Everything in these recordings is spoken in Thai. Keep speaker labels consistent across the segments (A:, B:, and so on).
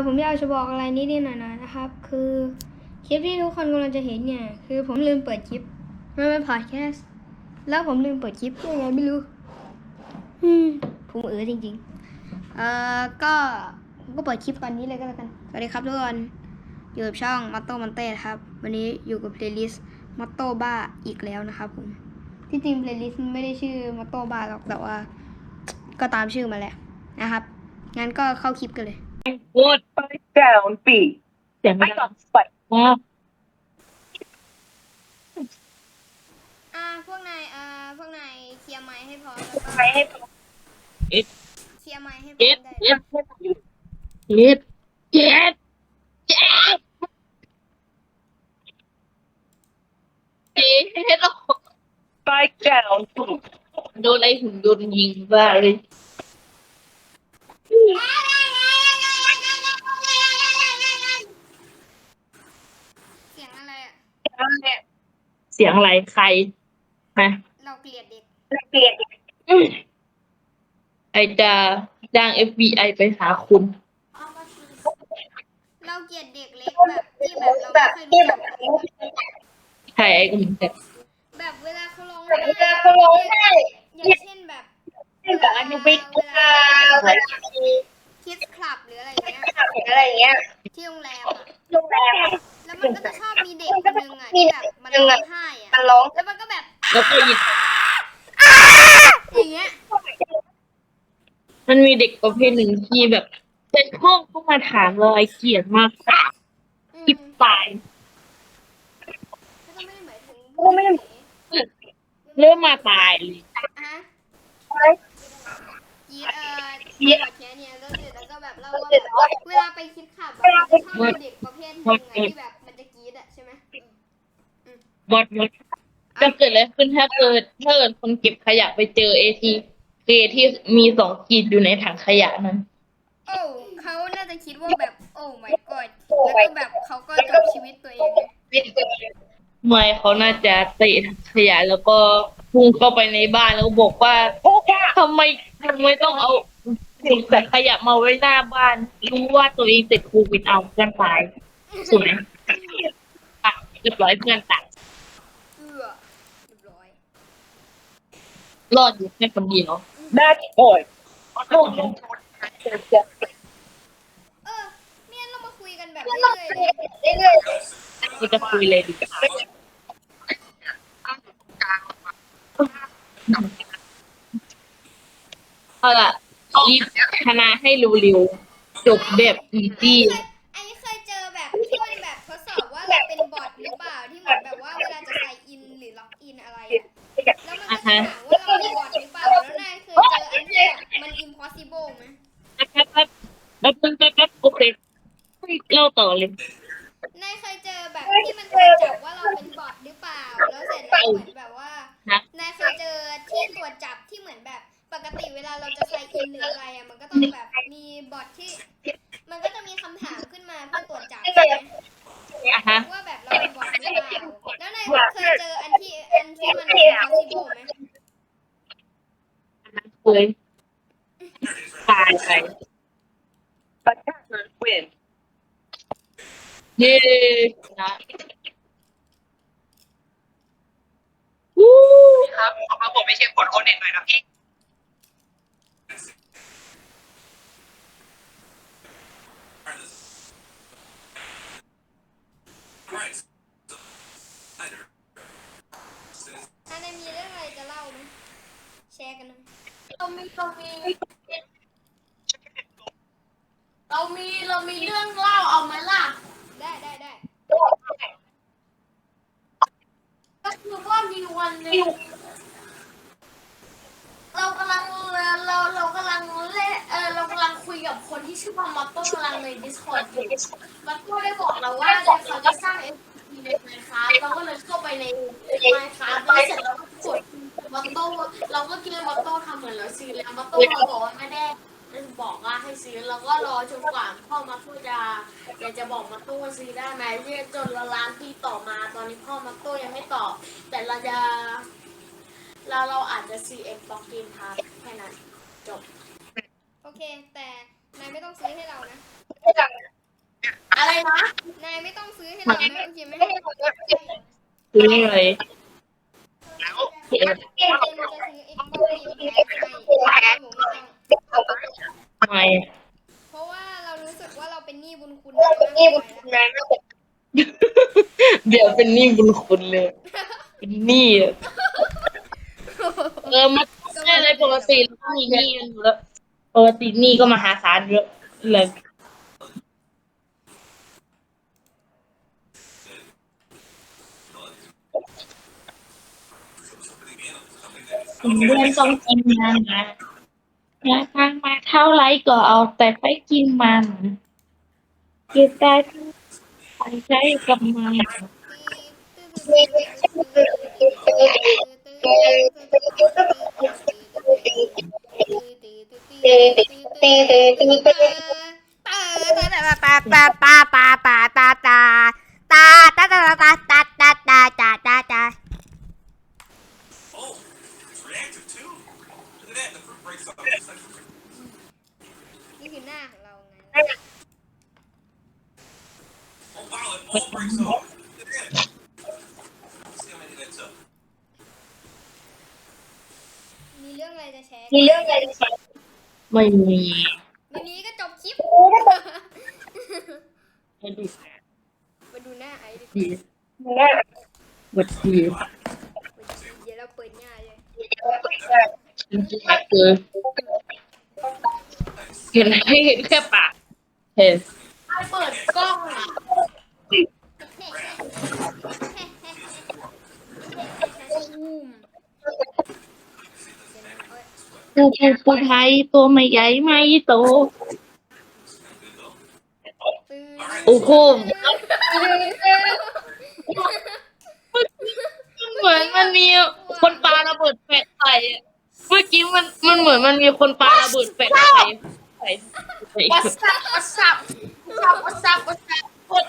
A: ผมอยากจะบอกอะไรนิดๆหน่อยๆนะครับคือคลิปที่ทุกคนกำลังจะเห็นเนี่ยคือผมลืมเปิดคลิปมันเป็นพอดแคสต์แล้วผมลืมเปิดคลิปยังไงไม่รู้ผมจริงๆก็ผมก็เปิดคลิปตอนนี้เลยก็แล้วกันสวัสดีครับทุกคนอยู่กับช่องมัตโต้มันเต้ครับวันนี้อยู่กับเพลย์ลิสต์มัตโต้บ้าอีกแล้วนะครับผมที่จริงเพลย์ลิสต์ไม่ได้ชื่อมัตโต้บ้าหรอกแต่ว่าก็ตามชื่อมาแหละนะครับงั้นก็เข้าคลิปกันเลย
B: Wood down B เสียงไม่ดังไปมาก
A: พวกนายเคลียร์ไมค์ให้พร้อมแล้วก็
B: ไม่ให้พอ
A: เคลียร์ไมค์ให้พร้
B: เจ็
A: อ
B: ด
A: มได้
B: เจ็ดเจ็ดเจ็ดเจ็ดเจ็ด Spike down โดนไอ้หุ่นยนต์ยิงบ้าเลย
A: เสียงอะไรอ่ะ
B: เสียงอะไรใครฮะ
A: เราเกลียดเด็ก
B: ไอจะจ้าง FBI ไปหาคุณ
A: เราเกลียดเด็กเล็กแบบที่แบบเราไม่เคยรู้จัก
B: ใครไอ้คุณแต่
A: แบบเวลาเขาร้องไห้อย่างเช่นแบบเวลาคิดคลับหรืออะไรเงี้ยที่โรงแรมอ่ะแล้วมันก็จะชอบมีเด็กคนนึงอ่ะที่แบบมันร้องไห้อ่ะแล้วมันก็แบบ
B: แล้วก็ยิง
A: อย่างเงี้ย
B: มันมีเด็กประเภทหนึ่งที่แบบเป็นห้องเข้ามาถามเราไอเกลียดมากคิดตาย
A: ก็ไม่ได้หมายถึงผู้หญิง
B: เริ่มมาตายเลย
A: ยีดแค่เนี้ยแล้วเสร็จแล้วก็แบบเล่าว่าแบบเวลาไปคิดขับแบบมันจะชอบมีเด็กประเภทหนึ่งที่แบบมันจะกรี๊ดอ่ะใช่ไหม
B: บอดจะเกิดอะไรขึ้นถ้าเกิดคนเก็บขยะไปเจอเอที่มี2 ขีดอยู่ในถังขยะนั้น
A: โอ้เขาน่าจะคิดว่าแบบโอ้ my god แล้วก็แบบเขาก็จบชีวิตตัวเองเลย
B: ไม่เขาน่าจะเตะถังขยะแล้วก็พุ่งเข้าไปในบ้านแล้วก็บอกว่าทำไมต้องเอาสิ่งใส่ขยะมาไว้หน้าบ้านรู้ว่าตัวเองติดโควิดเอาเพื่อนตายสวยอ่ะเรียบร้อยเพื่อนตาย
A: เรียบร้อย
B: รอดอยู่แค่คนเดียว
C: Match point.
A: เนี่ยเรามาคุยกันแบบเรื่อยๆเลย
B: ก็จะคุยเลยดีกว่าเอาล่ะรีบชนะให้เร็วๆจบแบบอีซี่
A: อันนี้เคยเจอแบบที่มันแบบทดสอบว่าเราเป็นบอทหรือเปล่าที่เหมือนแบบว่าเวลาจะใส่อินหรือล็อกอินอะไรอะแล้วมันก็จะถามว่าเราเป็นบอทหรือเปล่าแล้วนายเคยเจออันที่แบบมัน impossible ไหม
B: แป๊บโอเคเล่าต่อเลย
A: นายเคยเจอแบบที่มันตรวจจับว่าเราเป็นบอทหรือเปล่าแล้วเสร็จแล้วเหมือนแบบว่านายเคยเจอที่ตรวจจับที่เหมือนแบบปกติเวลาเราจะใส่อินหรืออะไรอะมันก็ต้องแบบมีบอทที่มันก็จะมีคำถามขึ้นมาเพื่อตรวจจับใช่ไหมว่าแบบเราเป็นบอทหรือเปล่าแล้วนายเคยเจออันที่มัน impossible ไหม
B: เคยตายไป
C: Attackers win.
B: เย้นะวู้
C: ครับผมไม่ใช่คนโอเน็ตเลยนะพี่
A: อันนายมีเรื่องอะไรจะเล่าไหมแชร์กันหน่อย
D: เรามีเรื่องเล่าเอาไหมล่ะ
A: ได้
D: ก็คือว่ามีวันหนึงเรากำลังเล่นเรากำลังคุยกับคนที่ชื่อว่ามัตโต้กำลังใน Discord อยู่มัตโต้ได้บอกเราว่าเดี๋ยวเขาจะสร้าง NFT ใน Minecraft เราก็เลยเข้าไปใน Minecraft แล้วเสร็จเราก็กดมัตโต้เราก็คิดว่ามัตโต้ทำเหมือนเราซื้อแล้วมัตโต้เราบอกว่าไม่ได้บอกว่าให้ซื้อเราก็รอจนกว่าพ่อมัตโต้อยากจะบอกมัตโต้ว่าซื้อได้ไหมจนละล้านปีต่อมาตอนนี้พ่อมัตโต้ยังไม่ตอบแต่เราอาจจะ CX บล็อกเกมพาร์ทแค่นั้นจบ
A: โอเคแต่นายไม่ต้องซื้อให้เรานะ
D: อะไรนะ
A: นายไม่ต้องซื้อให้เรานะโอเคไหม
B: ซื้ออะไร
A: เอ็มจะซื้อ Xbox Game Pass ให้ผมไม่ต้อง
B: ทำไม
A: เพราะว่าเรารู้สึกว่าเราเป็นหนี้บุญคุณนายมากเกินไปแล้ว
B: เดี๋ยวเป็นหนี้บุญคุณเลย เป็นหนี้อะมันไม่อะไรปกติเราก็มีหนี้กันอยู่แล้วปกติหนี้ก็มหาศาลเยอะเลยผมเดือนต้องกินมันนะอยากทางมาเท่าไรก็เอาแต่ไปกินมันเก็บได้ทั้งไปใช้กับมัน
E: Oh, it's reactive too. Look at that, the fruit breaks off. It's like fruit.
A: นี่คือหน้าของเราไง
E: Oh wow, it all breaks off. Look at that. Let's see how many that's up.
A: มีเรื่องอะไรจะแชร์
B: ไม่มี
A: วันนี้ก็จบคลิป
B: ไม่ดู
A: มาดูหน้าไอ้ดิ
B: ดีวัดดี
A: เดี๋ยวเราเปิดหน้าเลย
B: จริงๆคือเห็นให้เห็นแค่ปากเห็น
D: เปิดกล้องอ่ะ
B: ปูไทยตัวไม่ใหญ่ไม่โตโอ้โหเหมือนมันมีคนปาระเบิดแฟลชใส่อะเมื่อกี้มันเหมือนมันมีคนปาระเบิดแฟลชใส่
D: วัสซับวัสซับวัสซับวัสซับวัสซับ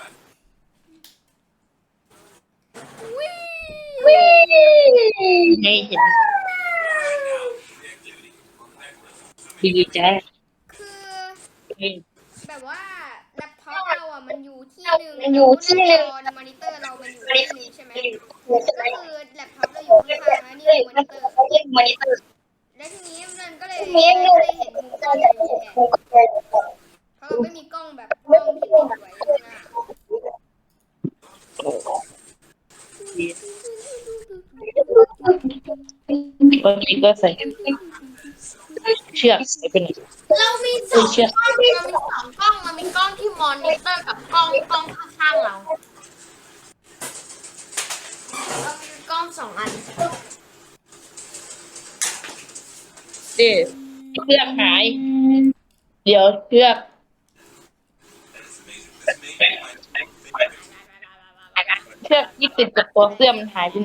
B: ให้เห็นดีใจ
A: คือแบบว่าแล็ปท็อปเราอ่ะมันอยู่ที่หนึ่งมันอยู่ที่หนึ่งมอนิเตอร์เรามันอยู่ที่หนึ่งใช่ไหมก็คือแล็ปท็อปเราอยู่ข้างๆแล้วนี่คือมอนิเตอร์แล้วทีนี้มันก็เลยไม่ได้เห็นมุมกล้องอย่างนี้ไงเพราะเราไม่มีกล้องแบบกล้องที่ติดไว้ข้างหน้า
B: บางทีก็ใส่เชือกใส่เป็น
D: เรามีสองกล้องเรามีกล้องที่มอนิเตอร์กับกล้องข้างๆเรามีกล้องสองอัน
B: เชือกหาย เดี๋ยวเชือกเชือกที่ติดกับตัวเสื้อมันหายไปไหน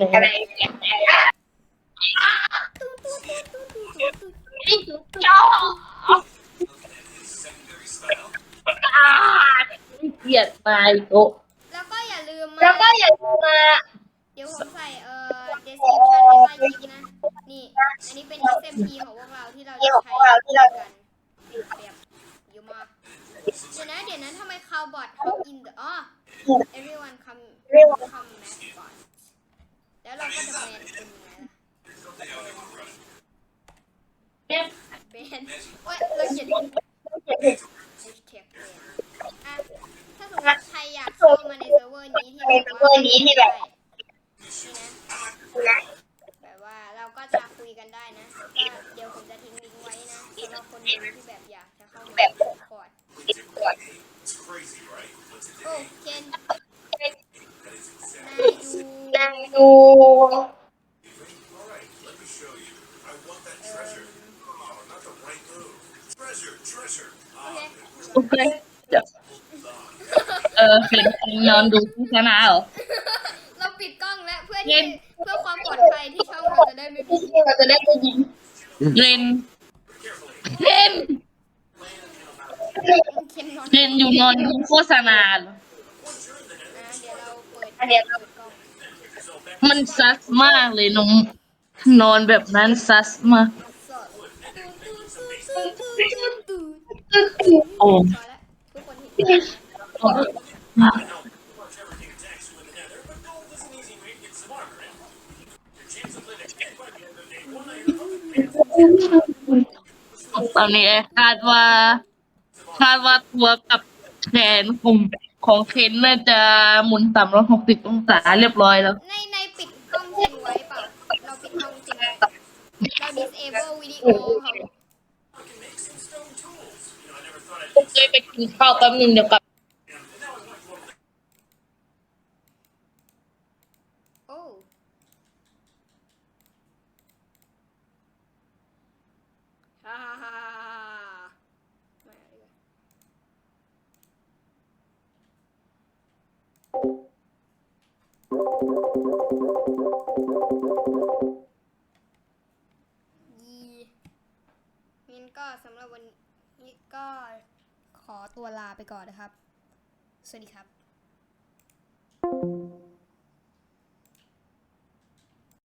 B: เกลียดนายโต
A: แล้วก็อย่าลืมมา เดี๋ยวผมใส่description ไว้ใต้คลิปนะ นี่ อันนี้เป็น XMP ของพวกเราที่เราจะใช้กันแบบอยู่มาเดี๋ยวนะทำไม cowbot hop in the everyone come mascot แล้วเราก็จะแบนเป็นยังไงล่ะแบนโอ๊ยเราเขียน hashtag อ่ะถ้าสมมติใครอยากเข้ามาในเซิร์ฟเวอร์นี้ที่แบบว่าแบบว่าเราก็จะคุยกันได้นะก็เดี๋ยวผมจะทิ้งลิงก์ไว้นะสำหรับคนดูที่แบบอยากจะเข้ามาแบบคอร์ด
E: It's crazy, right? What's it?
A: โอ้เคน
E: That is exactly.
A: นายดู
E: All right, let me show you. I want that treasure. Oh, not the right move. Treasure.
A: โอเค
B: โอเคเห็นนอนดูโฆษณาเหรอ
A: เราปิดกล้องแล้วเพื่อความปลอดภัยที่ช่องเราจะได้ไม่มี
B: เรนเคน
A: เคนนอน
B: เรนอยู่นอนดูโฆษณาเหรอ
A: เดี๋ยวเราเปิดกล้อง
B: มันซัสมากเลยน้องนอนแบบนั้นซัสมาก
A: สด
B: โอ้
A: พอแล้วทุกคนเห็น
E: Much everything attacks you in the nether, but gold is an easy way to get some armor in. Your chance of living dead by the end of day one item of advanced
B: ตอนนี้คาดว่าตัวกับแขนของเคนน่าจะหมุน360 องศาเรียบร้อยแล้ว
A: ในปิดกล้องเจนไว้เปล่า เราปิดกล้องเจนไว้เรา disable วิดีโอครับ
E: can make some stone tools. You know, I never thought I'd
B: ผมเคยไปกินข้าวแป๊บนึงเดี๋ยวกลับ
E: and now I want to go over
A: โอ้ฮ่าฮ่าฮ่ามาดีกว่างั้นก็สำหรับวันนี้ก็ขอตัวลาไปก่อนนะครับ สวัสดีครับ